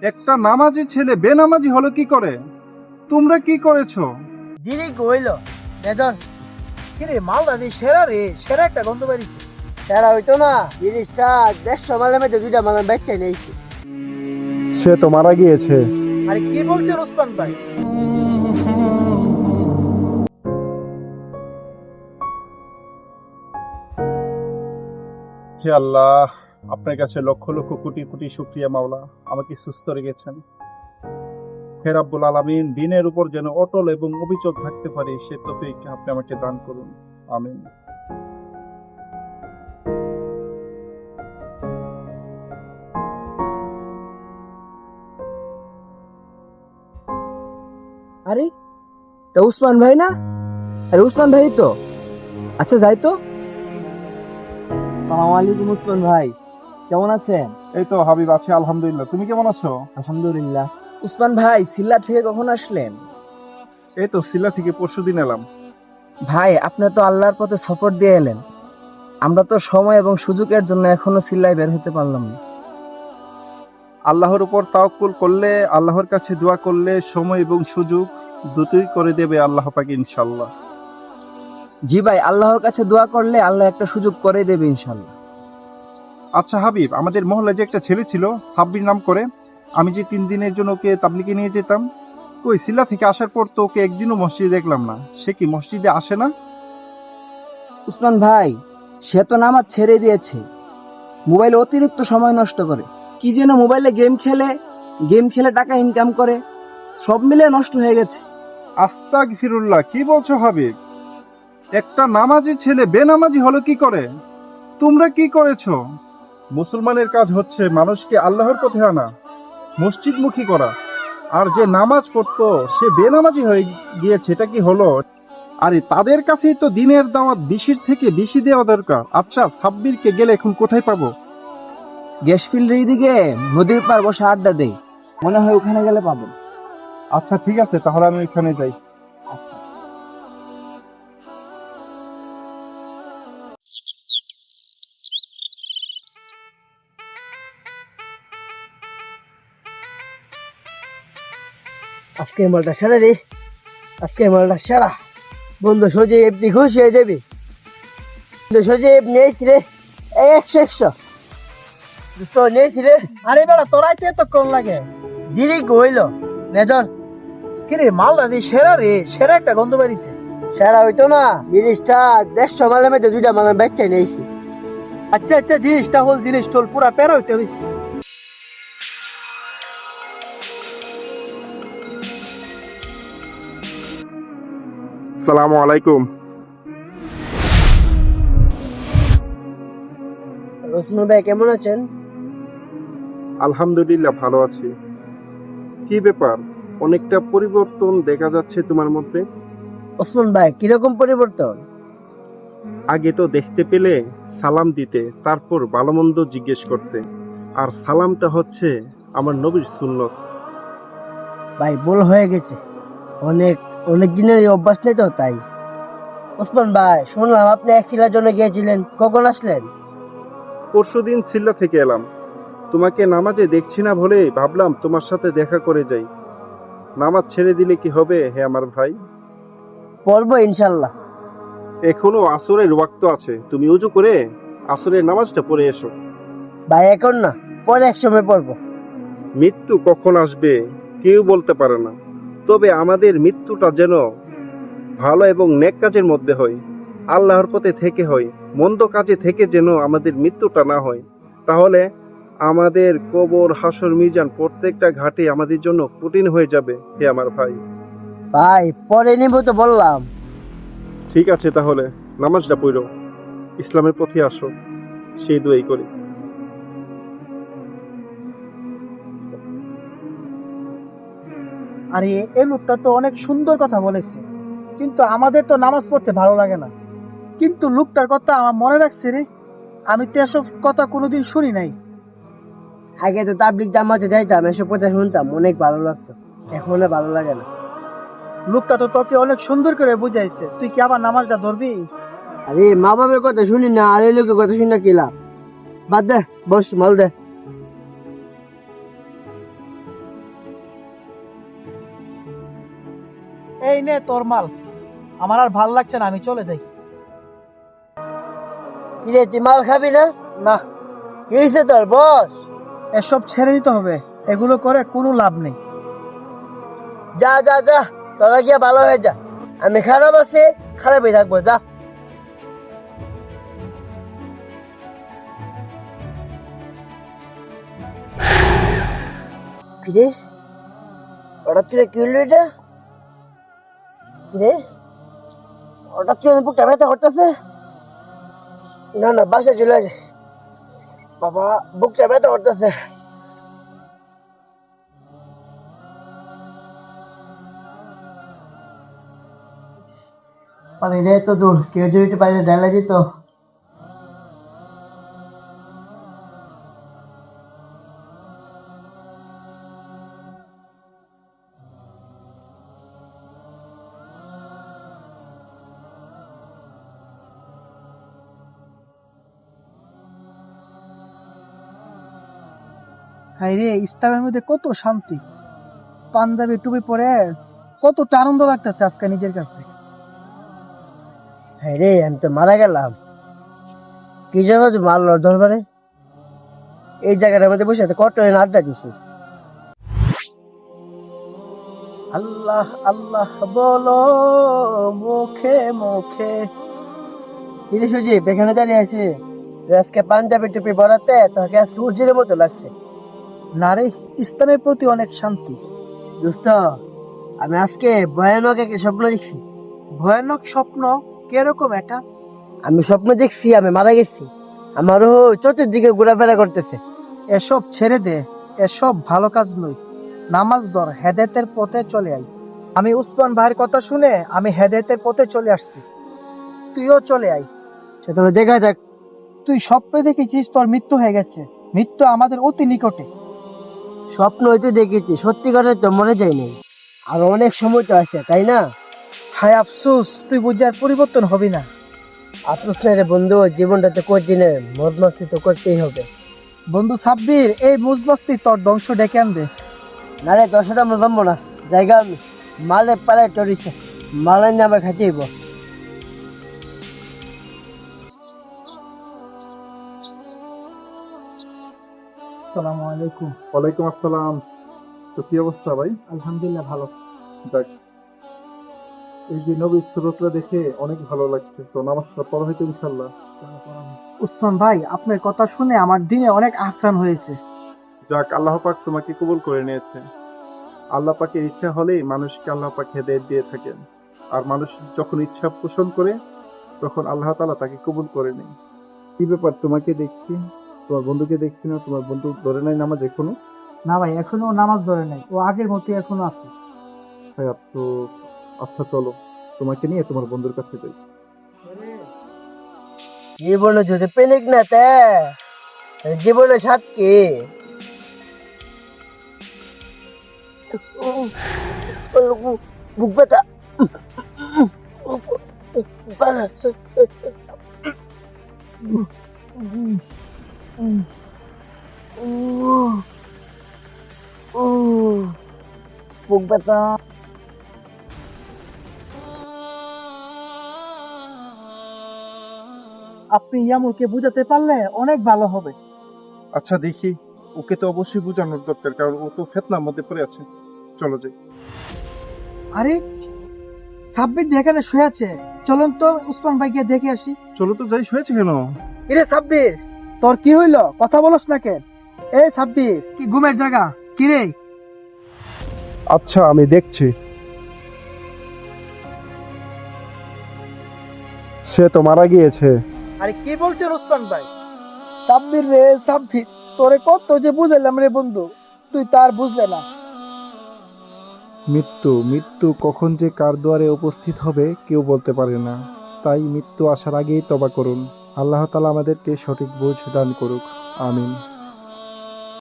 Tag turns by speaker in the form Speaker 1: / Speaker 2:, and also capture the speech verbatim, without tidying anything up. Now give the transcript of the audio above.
Speaker 1: একটা নামাজি ছেলে বেনামাজি হলো কি করে? তোমরা কি করেছো?
Speaker 2: দিদি কইল নেদন কিরে মালদা দি সেরা রে সেরা একটা গন্ধ বাড়িছে। সেরা হইতো না জিনিসটা দেড়শো মালের মধ্যে দুইটা মালের বেচে নিয়েছি।
Speaker 1: সে তো মারা গিয়েছে।
Speaker 2: আরে কি বলছেন ওসমান ভাই?
Speaker 1: হে আল্লাহ, আপনার কাছে লক্ষ লক্ষ কোটি কোটি শুকরিয়া মাওলা, আমাকে সুস্থ রেখেছেন। হে রাব্বুল আলামিন, দিনের উপর যেন অটল এবং অবিচল থাকতে পারি সে তৌফিক আপনি আমাকে দান করুন, আমিন।
Speaker 2: আরে তো উসমান ভাই না? আরে উসমান ভাই তো। আচ্ছা যাই তো। সালাম আলাইকুম উসমান ভাই, কেমন আছেন?
Speaker 1: এই তো হাবিব আছি আলহামদুলিল্লাহ, তুমি কেমন আছো?
Speaker 2: আলহামদুলিল্লাহ। উসমান ভাই সিল্লা থেকে কখন আসলেন?
Speaker 1: এই তো সিলা থেকে পরশুদিন এলাম।
Speaker 2: ভাই আপনি তো আল্লাহর পথে সফর দিয়ে এলেন, আমরা তো সময় এবং সুযোগের জন্য এখনো সিল্লায় বের হতে পারলাম না।
Speaker 1: আল্লাহর উপর তাওয়াক্কুল করলে, আল্লাহর কাছে দোয়া করলে সময় এবং সুযোগ দুটোই করে দেবে আল্লাহ পাক ইনশাআল্লাহ।
Speaker 2: জি ভাই, আল্লাহর কাছে দোয়া করলে আল্লাহ একটা সুযোগ করে দেবে ইনশাল্লাহ।
Speaker 1: আচ্ছা হাবিব, আমাদের মহল্লায় যে একটা ছেলে ছিল সাব্বির নাম করে, আমি যে তিন দিনের জন্য ওকে তাবলিগে নিয়ে যেতাম, ওই সিল্লা থেকে আসার পর তো ওকে একদিনও মসজিদে দেখলাম না। সে কি মসজিদে আসে না?
Speaker 2: উসমান ভাই, সে তো নামাজ ছেড়ে দিয়েছে, মোবাইলে অতিরিক্ত সময় নষ্ট করে, কি যেন মোবাইলে গেম খেলে, গেম খেলে টাকা ইনকাম করে, সব মিলে নষ্ট হয়ে গেছে।
Speaker 1: আস্তাগফিরুল্লাহ, কি বলছো হাবিব? একটা নামাজি ছেলে বেনামাজি হলো কি করে? তোমরা কি করেছো? মুসলমানের কাজ হচ্ছে মানুষকে আল্লাহর পথে আনা, মসজিদমুখী করা। আর যে নামাজ পড়তো সে বেনামাজি হয়ে গিয়েছে, এটা কি হলো? আরে তাদের কাছেই তো দিনের দাওয়াত বেশির থেকে বেশি দেওয়া দরকার। আচ্ছা সাব্বিরকে গেলে এখন কোথায় পাবো?
Speaker 2: গ্যাস ফিল্ডের দিকে নদীর পার বসে আড্ডা দেই, মনে হয় ওখানে গেলে পাবেন।
Speaker 1: আচ্ছা ঠিক আছে, তাহলে আমি ওইখানে যাই।
Speaker 2: আজকে মালটা সেরা রে, আজকে মালটা সেরা। বন্ধু সজীব এমনি খুশি হয়ে যাবি। বন্ধু সজীব নিয়েছি রে, একশো একশো দুশো নিয়েছি রে। আরে বেড়া তোরাইতে এত কম লাগে, দিদি কইল নেদন কিরে মালটা দি সেরা রে সেরা একটা গন্ধ বাড়িছে। সেরা হইতো না জিনিসটা দেড়শো মালের মধ্যে দুইটা মালের বেচে নিয়েছি। আচ্ছা আচ্ছা, জিনিসটা হল জিনিস টল পুরা পেরা হইতে হয়েছে।
Speaker 1: সালামু আলাইকুম।
Speaker 2: রসনু ভাই কেমন আছেন?
Speaker 1: আলহামদুলিল্লাহ ভালো আছি। কি ব্যাপার, অনেকটা পরিবর্তন দেখা যাচ্ছে তোমার মধ্যে।
Speaker 2: ওসমান ভাই কিরকম পরিবর্তন?
Speaker 1: আগে তো দেখতে পেলে সালাম দিতে, তারপর ভালো মন্দ জিজ্ঞেস করতে, আর সালামটা হচ্ছে আমার নবীর সুন্নত।
Speaker 2: ভাই ভুল হয়ে গেছে, অনেক অনেক দিনের এই অভ্যাস নেই তো তাই। ওসমান ভাই শুনলাম আপনি এক শিলার জন্য গিয়েছিলেন, কখন আসলেন?
Speaker 1: পরশুদিন সিল্লা থেকে এলাম। তোমাকে নামাজে দেখছি না বলে ভাবলাম তোমার সাথে দেখা করে যাই। নামাজ ছেড়ে দিলে কি হবে হে আমার ভাই?
Speaker 2: পড়বো ইনশাল্লাহ।
Speaker 1: এখনো আসরের ওয়াক্ত আছে, তুমি উজু করে আসরের নামাজটা পড়ে এসো।
Speaker 2: ভাই এখন না, পরে এক সময় পড়বো।
Speaker 1: মৃত্যু কখন আসবে কেউ বলতে পারে না, তবে আমাদের মৃত্যুটা যেন ভালো এবং নেক কাজের মধ্যে হয়, আল্লাহর পথে থেকে হয়, মন্দ কাজে থেকে যেন আমাদের মৃত্যুটা না হয়। তাহলে আমাদের কবর, হাসর, মিজান প্রত্যেকটা ঘাটে আমাদের জন্য কঠিন হয়ে যাবে হে আমার ভাই।
Speaker 2: ভাই পরে নিব তো বললাম।
Speaker 1: ঠিক আছে, তাহলে নামাজটা পড়ো, ইসলামের পথে আসো, সেই দোয়াই করি।
Speaker 2: আরে এই লোকটা তো অনেক সুন্দর কথা বলেছে, কিন্তু আমাদের তো নামাজ পড়তে ভালো লাগে না। কিন্তু লোকটার কথা আমার মনে রাখছে রে, আমি তো এসব কথা কোনোদিন শুনি নাই। আগে তো তাবলিগ জামাতে যাইতাম, এসব কথা শুনতাম, অনেক ভালো লাগতো, এখন আর ভালো লাগে না। লোকটা তো তোকে অনেক সুন্দর করে বুঝাইছে, তুই কি আবার নামাজটা ধরবি? আরে মা বাবার কথা শুনি না, আর এই লোকের কথা শুনে কি লাভ? বাদ দে, বস মাল দে।
Speaker 3: এই নে তোর মাল। আমার আর ভাল লাগছে না, আমি চলে যাই।
Speaker 2: কিরে তুই মাল খাবি না?
Speaker 3: না,
Speaker 2: কি হয়েছে তোর বস?
Speaker 3: এসব ছেড়ে দিতে হবে, এগুলো করে কোনো লাভ নেই।
Speaker 2: যা যা যা, তোরা গিয়ে ভালো হয়ে যা। আমি খারাপ আছি, খারাপই থাকবো, যা। কিরে হঠাৎ করে কি হলো এটা? কিরে হঠাৎ করে বুকটা ব্যথা করতেছে। না না, বাসায় চলে আসে। বাবা, বুকটা ব্যথা করতেছে। পানি রে তো দূর, কেউ যদি একটু পানিতে ঢেলে দিত।
Speaker 3: হাই রে, ইসলামের মধ্যে কত শান্তি। পাঞ্জাবি টুপি পরে কতটা আনন্দ লাগতেছে আজকে নিজের কাছে।
Speaker 2: হ্যাঁ রে, আমি তো মারা গেলাম। কি জন্য তুই মারল দরবারে? এই জায়গাটার মধ্যে বসে আছে কত আড্ডা দিছি।
Speaker 3: আল্লাহ আল্লাহ বলো মুখে মুখে।
Speaker 2: কিরে সুজিব, এখানে দাঁড়িয়ে আছি। আজকে পাঞ্জাবি টুপি পরাতে তোকে সূর্যের মতো লাগছে।
Speaker 3: না রে, ইসলামের প্রতি অনেক শান্তি।
Speaker 2: দোস্ত, আমি আজকে ভয়ানক একটা স্বপ্ন দেখছি।
Speaker 3: ভয়ানক স্বপ্ন? কিরকম এটা?
Speaker 2: আমি স্বপ্ন দেখছি আমি মারা গেছি। আমারও চতুর্দিকে ঘোরাফেরা করতেছে।
Speaker 3: এসব ছেড়ে দে, এসব ভালো কাজ নয়। নামাজ ধর, হেদায়েতের পথে চলে আয়। আমি উসমান ভাইয়ের কথা শুনে আমি হেদায়েতের পথে চলে আসছি, তুইও চলে আয়।
Speaker 2: সেটা দেখা যাক।
Speaker 3: তুই স্বপ্নে দেখেছিস তোর মৃত্যু হয়ে গেছে। মৃত্যু আমাদের অতি নিকটে।
Speaker 2: স্বপ্ন হয়তো দেখেছি, সত্যি কথা তো মনে যায়নি। আর অনেক সময় তো আছে, তাই না?
Speaker 3: হায় আফসোস, তুই বুঝে আর পরিবর্তন হবি না।
Speaker 2: আফসোস না রে বন্ধু, জীবনটা তো কঠিন, মদ মাস্তি তো করতেই হবে।
Speaker 3: বন্ধু সাব্বির, এই মুজমাস্তি তোর ধ্বংস ডেকে আনবে।
Speaker 2: না রে, তোর সাথে আমরা জমবো না। জায়গা আমি মালে পালে টরিছে, মালের নামে খাইতেইব।
Speaker 3: আসসালামু আলাইকুম।
Speaker 1: ওয়ালাইকুম আসসালাম। তো কি অবস্থা ভাই?
Speaker 3: আলহামদুলিল্লাহ ভালো।
Speaker 1: যাক, এই যে নবীর সুরতটা দেখে অনেক ভালো লাগছে। তো নামাজটা পড়া হয়তো ইনশাল্লাহ।
Speaker 3: উসমান ভাই, আপনার কথা শুনে আমার দিনে অনেক আহসান হয়েছে।
Speaker 1: যাক, আল্লাহ পাক তোমাকে কবুল করে নিয়েছে। আল্লাহ পাকের ইচ্ছা হলেই মানুষকে আল্লাহ পাক হেদায়েত দিয়ে থাকেন। আর মানুষ যখন ইচ্ছা পোষণ করে তখন আল্লাহ তাআলা তাকে কবুল করে নেয়। কি ব্যাপার, তোমাকে দেখছি, তোমার বন্ধুকে দেখছি না। তোমার বন্ধু ধরে নাই নামাজ এখনো?
Speaker 3: না ভাই, এখনো নামাজ ধরে নাই, ও আগের মতো এখনো আছে।
Speaker 1: ভাই তো আচ্ছা, চলো তোমাকে নিয়ে তোমার বন্ধুর কাছে যাই।
Speaker 2: জীবনে যদি পেলিক না তে জীবনে সাত কি? বুক ব্যথা। বুক ব্যথা।
Speaker 3: আপনি ইয়ামুরকে বুঝাতে পারলে অনেক ভালো হবে।
Speaker 1: আচ্ছা দেখি, ওকে তো অবশ্যই বোঝানোর দরকার, কারণ ও তো ফেতনার মধ্যে পড়ে আছে। চলো যাই।
Speaker 3: আরে, সাব্বির দিয়ে এখানে শুয়ে আছে, চলুন তো উসমান ভাইকে দেখে আসি।
Speaker 1: চলো তো যাই। শুয়েছে কেন?
Speaker 3: কিরে সাব্বির, তোর কি হইলো? কথা বলস না কেন? এই সাব্বির, কি ঘুমের জায়গা? কিরে?
Speaker 1: আচ্ছা, আমি দেখছি। সে তো মারা গিয়েছে।
Speaker 3: আরে কি বলছেন উসমান ভাই? সাব্বির রে সাব্বির, তোরে কত যে বুঝাইলাম রে বন্ধু, তুই তার বুঝলে না।
Speaker 1: মৃত্যু মৃত্যু কখন যে কার দুয়ারে উপস্থিত হবে কেউ বলতে পারে না। তাই মৃত্যু আসার আগেই তওবা করুন। আল্লাহ তাআলা আমাদেরকে সঠিক বুঝ দান করুক। আমিন।